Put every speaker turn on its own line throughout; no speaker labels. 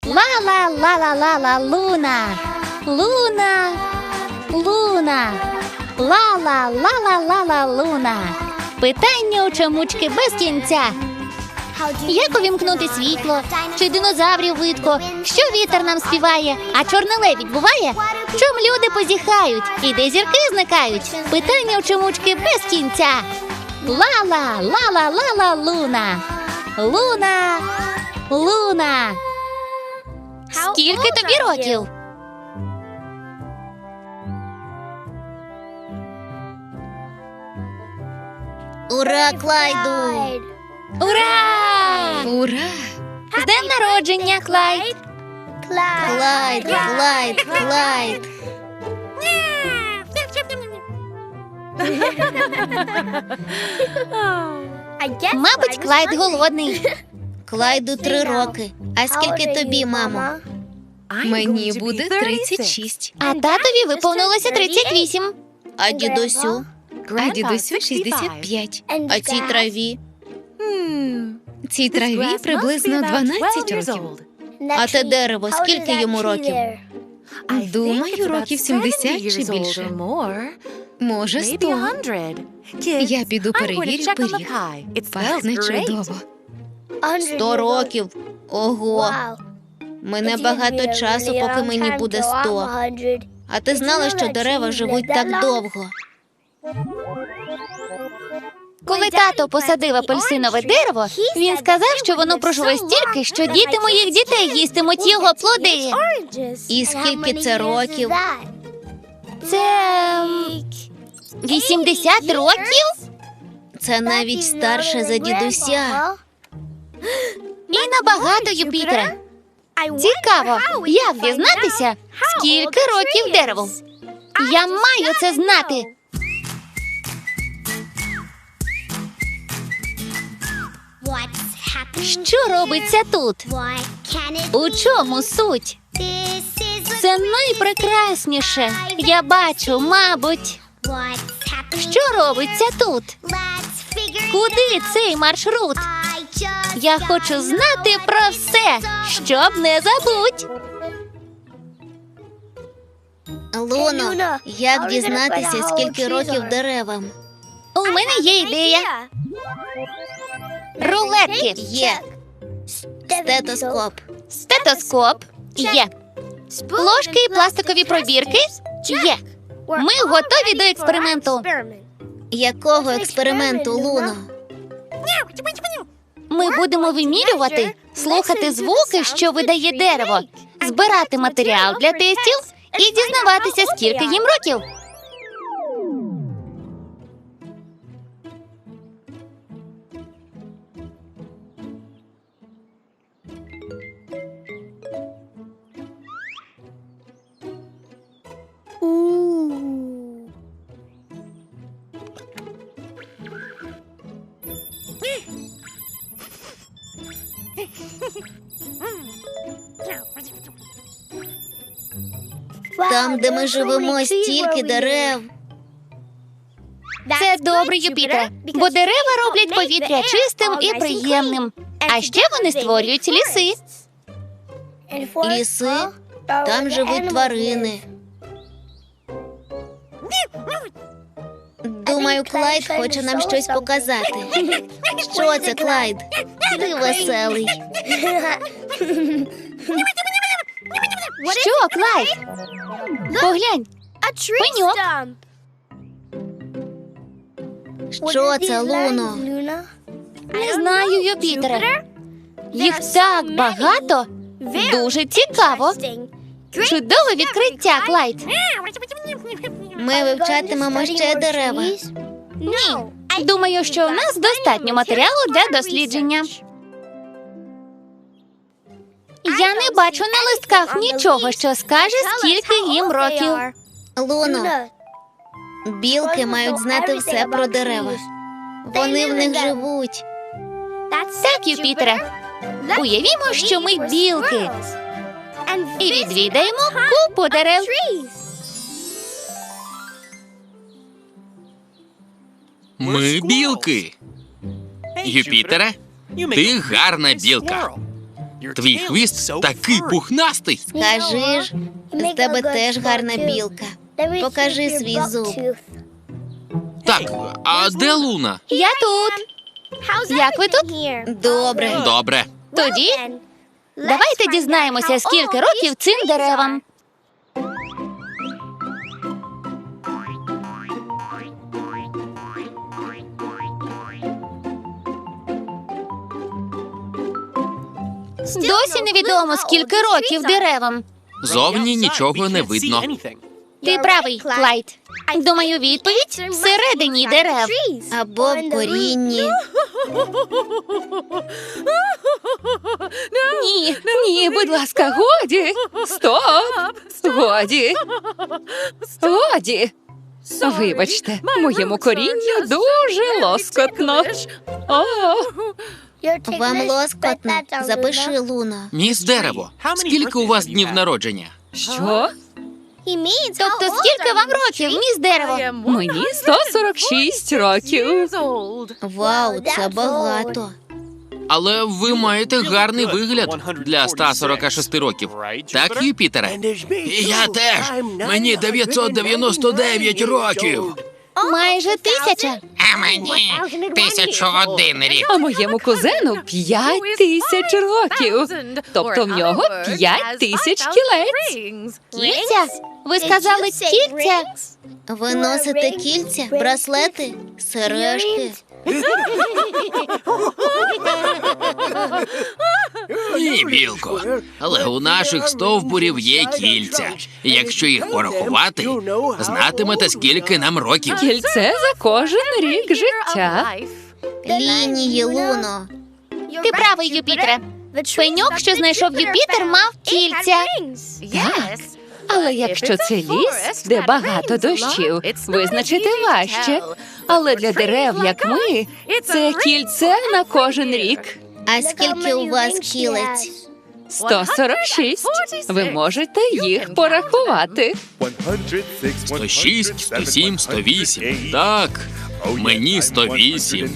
Ла-ла-ла-ла-ла-ла, Луна. Луна. Луна. Ла-ла-ла-ла-ла-ла, Луна. Питання у чомучки без кінця. Як увімкнути світло? Чи динозаврів видко? Що вітер нам співає? А чорний лебідь буває? Чом люди позіхають? І де зірки зникають? Питання у чомучки без кінця. Ла-ла, ла-ла-ла-ла, Луна. Луна. Луна. Скільки тобі років?
Ура, Клайду!
Ура!
Ура!
З днем народження, Клайд!
Клайд, Клайд, Клайд!
Мабуть, Клайд голодний.
Клайду 3 роки. А скільки тобі, мамо?
Мені буде 36,
А татові виповнилося 38.
А дідусю?
а дідусю 65.
А цій траві?
Цій траві приблизно 12 років.
А те дерево, скільки йому років?
Думаю, років 70 чи більше. Може, 100. Я піду перевірю пиріг. Пахне чудово.
100 років. Ого. Мине багато часу, поки мені буде 100. А ти знала, що дерева живуть так довго?
Коли тато посадив апельсинове дерево, він сказав, що воно проживе стільки, що діти моїх дітей їстимуть його плоди.
І скільки це років?
Це 80 років?
Це навіть старше за дідуся.
І набагато, Юпітере. Цікаво, як дізнатися, скільки років дереву? Я маю це знати. Що робиться тут? У чому суть? Це найпрекрасніше. Я бачу, мабуть. Що робиться тут? Куди цей маршрут? Я хочу знати про все, щоб не забудь.
Луно, як дізнатися, скільки років деревам?
У мене є ідея. Рулетки.
Є. Стетоскоп.
Стетоскоп. Є. Ложки і пластикові пробірки. Є. Ми готові до експерименту.
Якого експерименту, Луно?
Ми будемо вимірювати, слухати звуки, що видає дерево, збирати матеріал для тестів і дізнаватися, скільки їм років.
Там, де ми живемо, стільки дерев.
Це добре, Юпітере, бо дерева роблять повітря чистим і приємним. А ще вони створюють ліси.
Ліси? Там живуть тварини. Думаю, Клайд хоче нам щось показати. Що це, Клайд? Ти веселий.
Що, Клайд? Поглянь, пеньок.
Що це, Луно?
Не знаю, Юпітере. Їх так багато. Дуже цікаво. Чудове відкриття, Клайд.
Ми вивчатимемо ще дерева.
Ні. Думаю, що у нас достатньо матеріалу для дослідження. Я не бачу на листках нічого, що скаже, скільки їм років.
Луно, білки мають знати все про дерева. Вони в них живуть.
Так, Юпітере. Уявімо, що ми білки. І відвідаємо купу дерев.
Ми білки. Юпітере, ти гарна білка. Твій хвіст такий пухнастий.
Кажи ж, з тебе теж гарна білка. Покажи свій зуб.
Так, а де Луна?
Я тут. Як ви тут?
Добре.
Добре.
Тоді давайте дізнаємося, скільки років цим деревам. Досі невідомо, скільки років деревам.
Зовні нічого не видно.
Ти правий, Клайд. Думаю, відповідь всередині дерев.
Або в корінні.
Ні, будь ласка, годі. Стоп. Годі. Вибачте, моєму корінню дуже лоскотно. О,
Вам лоскотно? Запиши, Луно.
Міс Дерево, скільки у вас днів народження?
що?
Тобто, скільки вам років, міс Дерево?
Мені 146 років.
Вау, це багато.
Але ви маєте гарний вигляд для 146 років. Так, Юпітере? Я теж. Мені 999 років.
Майже 1000.
А мені 1001 рік.
А моєму кузену 5000 років. Тобто в нього 5000 кілець.
Кільця? Ви сказали кільця?
Ви носите кільця, браслети, сережки.
Ні, білко. Але у наших стовбурів є кільця. І якщо їх порахувати, знатимете, скільки нам років.
Кільце за кожен рік життя.
Лінії, Луно.
Ти правий, Юпітере. Пеньок, що знайшов Юпітер, мав кільця.
Так. Але якщо це ліс, де багато дощів, визначити важче. Але для дерев, як ми, це кільце на кожен рік.
А скільки у вас кілець?
146. Ви можете їх порахувати.
106, 107, 108. Так, мені 108.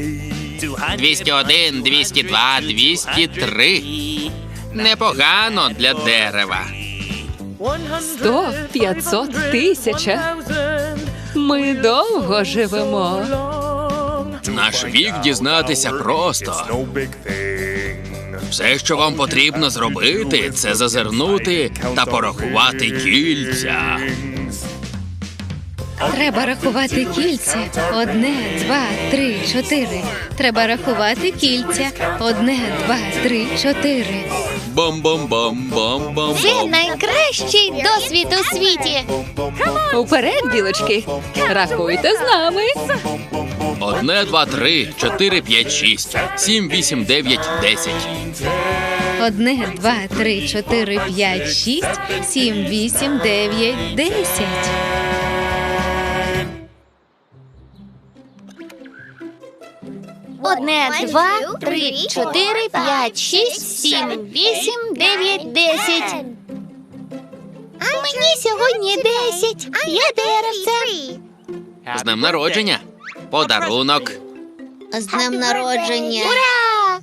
201, 202, 203. Непогано для дерева.
100, 500, 1000. Ми довго живемо.
Наш вік дізнатися просто. Все, що вам потрібно зробити, це зазирнути та порахувати кільця.
Треба рахувати кільця. 1, 2, 3, 4. Треба рахувати кільця. 1, 2, 3, 4.
Бам-бам-бам-бам-бам.
Це найкращий досвід у світі.
Уперед, білочки. Рахуйте з нами.
1, 2, 3, 4, 5, 6, 7, 8, 9, 10.
1, 2, 3, 4, 5, 6, 7, 8, 9, 10.
Одне, два, три, 4, 5, 6, 7, 8, 9, 10. Мені сьогодні 10. Я деревце.
З днем народження. Подарунок.
З днем народження.
Ура!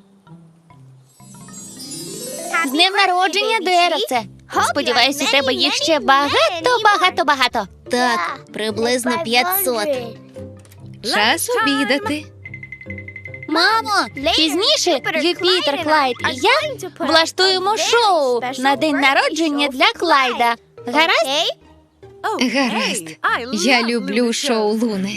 З днем народження, деревце. Сподіваюсь, у тебе їх ще багато.
Так, приблизно 500. Час обідати.
Мамо, пізніше Юпітер, Клайд і я влаштуємо шоу на день народження для Клайда. Гаразд?
Гаразд. Я люблю шоу Луни.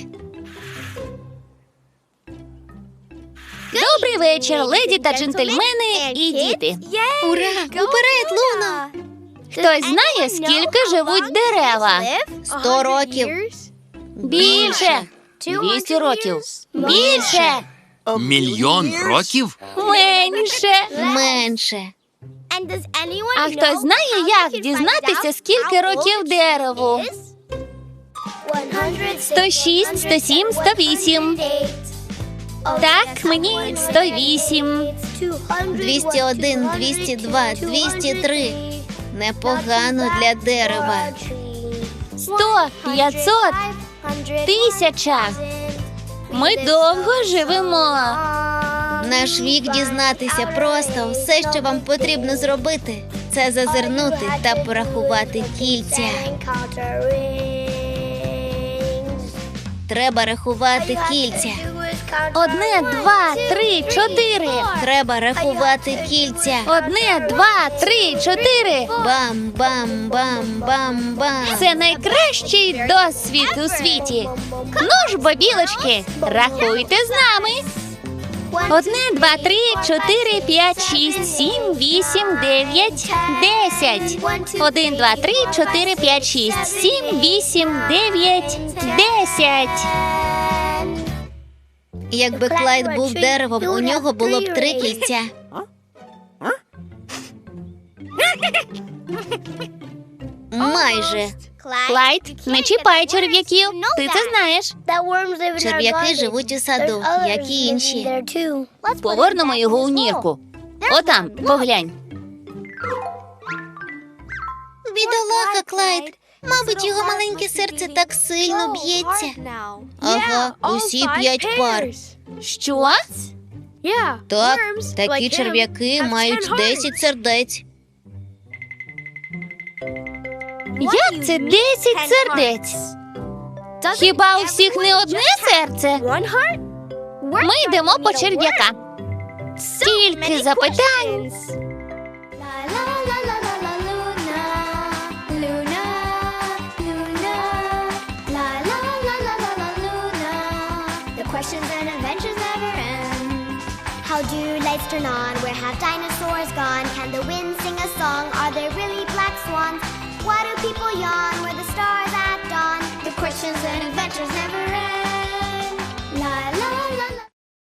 Добрий вечір, леді та джентльмени і діти.
Ура! Уперед, Луно!
Хтось знає, скільки живуть дерева?
100 років.
Більше. 200 років. Більше.
Мільйон років?
Менше.
Менше.
А хтось знає, як дізнатися, скільки років дереву? 106, 107, 108. Так, мені 108.
201, 202, 203. Непогано для дерева.
100, 500, 1000. Ми довго живемо.
Наш вік дізнатися просто. Все, що вам потрібно зробити, це зазирнути та порахувати кільця. Треба рахувати кільця.
1, 2, 3, 4.
Треба рахувати кільця.
1, 2, 3, 4.
Бам-бам-бам-бам-бам.
Це найкращий досвід у світі. Ну ж, бо, білочки, рахуйте з нами. 1, 2, 3, 4, 5, 6, 7, 8, 9, 10. 1, 2, 3, 4, 5, 6, 7, 8, 9, 10.
Якби Клайд був деревом, у нього було б 3 кільця. Майже.
Клайд, не чіпай черв'яків. Ти це знаєш.
Черв'яки живуть у саду, як і інші.
Повернемо його у нірку. Отам, поглянь.
Бідолаха Клайд. Мабуть, його маленьке серце так сильно б'ється. Ага, усі 5 пар.
Що?
Так, такі черв'яки мають 10 сердець.
Як це 10 сердець? Хіба у всіх не одне серце? Ми йдемо по черв'яка. Стільки запитань.
Questions and adventures never end. How do lights turn on? Where have dinosaurs gone? Can the wind sing a song? Are there really black swans? Why do people yawn? Where the stars at dawn? The questions and adventures never end.